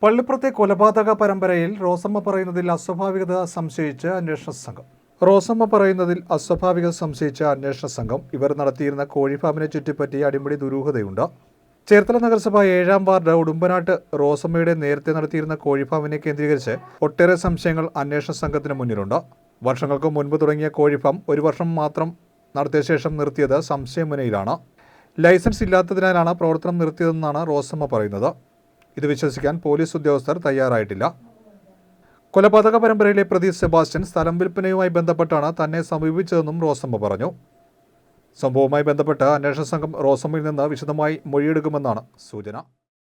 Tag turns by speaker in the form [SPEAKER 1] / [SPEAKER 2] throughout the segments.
[SPEAKER 1] പള്ളിപ്പുറത്തെ കൊലപാതക പരമ്പരയിൽ റോസമ്മ പറയുന്നതിൽ അസ്വാഭാവികത സംശയിച്ച് അന്വേഷണ സംഘം ഇവർ നടത്തിയിരുന്ന കോഴിഫാമിനെ ചുറ്റിപ്പറ്റി അടിമുടി ദുരൂഹതയുണ്ട്. ചേർത്തല നഗരസഭ 7-ാം വാർഡ് ഉടുമ്പനാട്ട് റോസമ്മയുടെ നേരത്തെ നടത്തിയിരുന്ന കോഴിഫാമിനെ കേന്ദ്രീകരിച്ച് ഒട്ടേറെ സംശയങ്ങൾ അന്വേഷണ സംഘത്തിന് മുന്നിലുണ്ട്. വർഷങ്ങൾക്ക് മുൻപ് തുടങ്ങിയ കോഴിഫാം 1 വർഷം മാത്രം നടത്തിയ ശേഷം നിർത്തിയത് സംശയമുനയിലാണ്. ലൈസൻസ് ഇല്ലാത്തതിനാലാണ് പ്രവർത്തനം നിർത്തിയതെന്നാണ് റോസമ്മ പറയുന്നത്. ഇത് വിശ്വസിക്കാൻ പോലീസ് ഉദ്യോഗസ്ഥർ തയ്യാറായിട്ടില്ല. കൊലപാതക പരമ്പരയിലെ പ്രതി സെബാസ്റ്റ്യൻ സ്ഥലം വിൽപ്പനയുമായി ബന്ധപ്പെട്ടാണ് തന്നെ സമീപിച്ചതെന്നും റോസമ്മ പറഞ്ഞു. സംഭവവുമായി ബന്ധപ്പെട്ട് അന്വേഷണ സംഘം റോസമ്മയിൽ നിന്ന് വിശദമായി മൊഴിയെടുക്കുമെന്നാണ് സൂചന.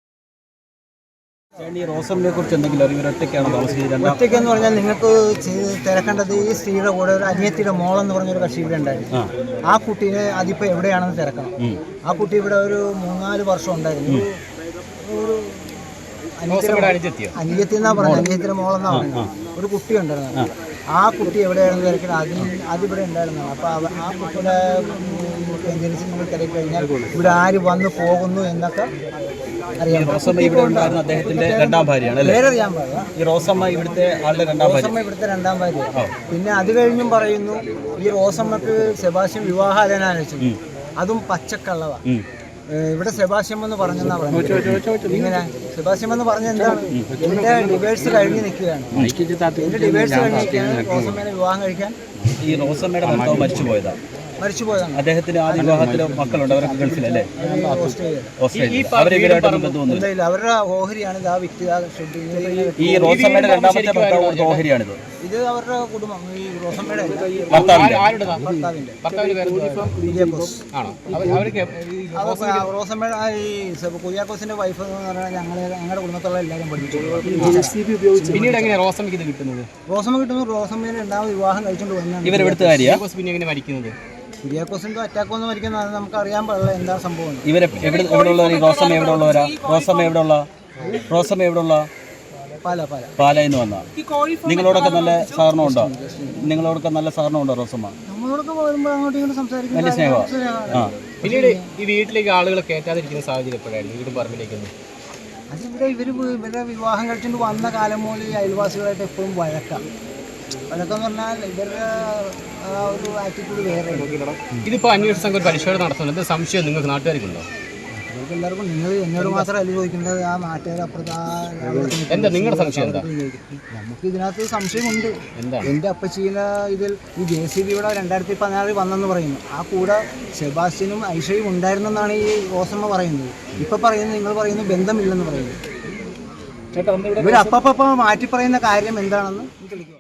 [SPEAKER 2] റോസമ്മയെ കുറിച്ച് എന്തെങ്കിലും അറിവ്?
[SPEAKER 3] ഒറ്റയ്ക്കെന്ന് പറഞ്ഞാൽ നിങ്ങൾക്ക് തിരക്കേണ്ടത് ഈ സ്ത്രീയുടെ കൂടെ ഒരു അനിയത്തിയുടെ മോളെന്ന് പറഞ്ഞൊരു കക്ഷി ഇവിടെ ഉണ്ടായിരുന്നു. ആ കുട്ടീനെ അതിപ്പോൾ എവിടെയാണെന്ന് തിരക്കണം. ആ കുട്ടി ഇവിടെ ഒരു 3-4 വർഷം ഉണ്ടായിരുന്നു. ഒരു അനിയത്തി എന്നാ പറഞ്ഞത്, അനിയത്തിയുടെ മോളെന്നാ പറഞ്ഞത്. ഒരു കുട്ടി ഉണ്ടായിരുന്നു. ആ കുട്ടി എവിടെയാണെന്ന് തിരക്കണം. അതിവിടെ ഉണ്ടായിരുന്നു. അപ്പോൾ ആ കുട്ടിയുടെ കേന്ദ്രീകരിച്ച് നിങ്ങൾ തിരക്കി കഴിഞ്ഞാൽ ഇവിടെ ആര് വന്ന് പോകുന്നു എന്നൊക്കെ അറിയാൻ
[SPEAKER 2] അദ്ദേഹത്തിന്റെ രണ്ടാം ഭാര്യയാണ്.
[SPEAKER 3] പേരറിയാൻ പാടില്ല.
[SPEAKER 2] ഈ റോസമ്മ ഇവിടുത്തെ
[SPEAKER 3] ഇവിടുത്തെ രണ്ടാം ഭാര്യ. പിന്നെ അത് കഴിഞ്ഞും പറയുന്നു ഈ റോസമ്മക്ക് സെബാസ്റ്റ്യൻ വിവാഹാലോചന, അതും പച്ചക്കള്ളവാ. ഇവിടെ സെബാസ്റ്റ്യൻ എന്ന് പറഞ്ഞെന്നാ പറഞ്ഞത്. ഇങ്ങനെ സെബാസ്റ്റ്യൻ എന്ന് പറഞ്ഞ എന്താണ്? എന്റെ ഡിവേഴ്സ് കഴിഞ്ഞ് നിൽക്കുകയാണ്. എന്റെ ഡിവേഴ്സ് കഴിഞ്ഞ് നിൽക്കുകയാണ്. റോസമ്മേനെ വിവാഹം കഴിക്കാൻ
[SPEAKER 2] ഈ റോസമ്മയുടെ ഭർത്താവ് മരിച്ചുപോയതാണ്. അദ്ദേഹത്തിന് ആദ്യ വിവാഹത്തിലെ മക്കളുണ്ട്. അവരൊക്കെ ഗൾഫിലല്ലേ?
[SPEAKER 3] അവരുടെ ഓഹരിയാണ്
[SPEAKER 2] ഈ റോസമ്മയുടെ രണ്ടാമത്തെ ഭർത്താവ് ഓഹരിയാണിത്.
[SPEAKER 3] ഇത് അവരുടെ കുടുംബം. ഈ റോസമ്മയുടെ റോസമ്മയുടെ ഈ കുര്യാക്കോസിന്റെ വൈഫ് എന്ന് പറഞ്ഞാൽ ഞങ്ങളുടെ കുടുംബത്തുള്ള എല്ലാവരും പഠിച്ചു.
[SPEAKER 2] പിന്നീട് എങ്ങനെയാണ് റോസമ്മയ്ക്ക് ഇത് കിട്ടുന്നത്?
[SPEAKER 3] റോസമ്മേനെ രണ്ടാമത് വിവാഹം കഴിച്ചുകൊണ്ട് വന്നാൽ
[SPEAKER 2] ഇവരെടുത്ത കാര്യമാണ്. പിന്നെ എങ്ങനെ മരിക്കുന്നത്?
[SPEAKER 3] കുര്യാക്കോസിന്റെ അറ്റാക്ക് വന്ന് മരിക്കുന്നത് നമുക്ക് അറിയാൻ പാടില്ല എന്താ സംഭവം.
[SPEAKER 2] ഇവരെ റോസമ്മ എവിടെ ഉള്ള പാലയിന്ന് വന്ന നിങ്ങളോടൊക്കെ നല്ല സഹകരണം ഉണ്ടോ റോസമ്മ?
[SPEAKER 3] നമ്മളോടൊക്കെ വരുമ്പോൾ അങ്ങോട്ടും ഇങ്ങോട്ടും സംസാരിക്കും.
[SPEAKER 2] വലിയ സ്നേഹമാണ്.
[SPEAKER 4] പിന്നീട് ഈ വീട്ടിലേക്ക് ആളുകളെ കയറ്റാതിരിക്കുന്ന സാഹചര്യം എപ്പോഴായിരുന്നു? വീടും പറമ്പിലേക്കൊന്നും
[SPEAKER 3] അതിവിടെ ഇവരുടെ വിവാഹം കഴിച്ചുകൊണ്ട് വന്ന കാലം മുതൽ ഈ അയൽവാസികളായിട്ട് എപ്പോഴും വഴക്കെന്ന് പറഞ്ഞാൽ ഇവരുടെ ഒരു ആറ്റിറ്റ്യൂഡ് വേറെ.
[SPEAKER 4] ഇതിപ്പോൾ അന്വേഷണ സംഘം പരിശോധന നടത്തുന്നത് എന്താ സംശയം നിങ്ങൾക്ക് നാട്ടുകാർക്കുണ്ടോ?
[SPEAKER 3] നിങ്ങൾക്ക് എല്ലാവർക്കും നിങ്ങൾ എന്നോട് മാത്രമല്ല ചോദിക്കുന്നത്, ആ നാട്ടുകാർ അപ്പുറത്ത്
[SPEAKER 4] എന്താ നിങ്ങളുടെ സംശയം? എന്താ
[SPEAKER 3] നമുക്ക് ഇതിനകത്ത് സംശയമുണ്ട്. എൻ്റെ അപ്പച്ചീന ഇതിൽ ഈ JCB ഇവിടെ 2014 വന്നെന്ന് പറയുന്നു. ആ കൂടെ സെബാസ്റ്റ്യനും ഐഷയും ഉണ്ടായിരുന്നെന്നാണ് ഈ റോസമ്മ പറയുന്നത്. ഇപ്പം പറയുന്നത്, നിങ്ങൾ പറയുന്നു ബന്ധമില്ലെന്ന് പറയുന്നു. ഇവരപ്പം മാറ്റി പറയുന്ന കാര്യം എന്താണെന്ന്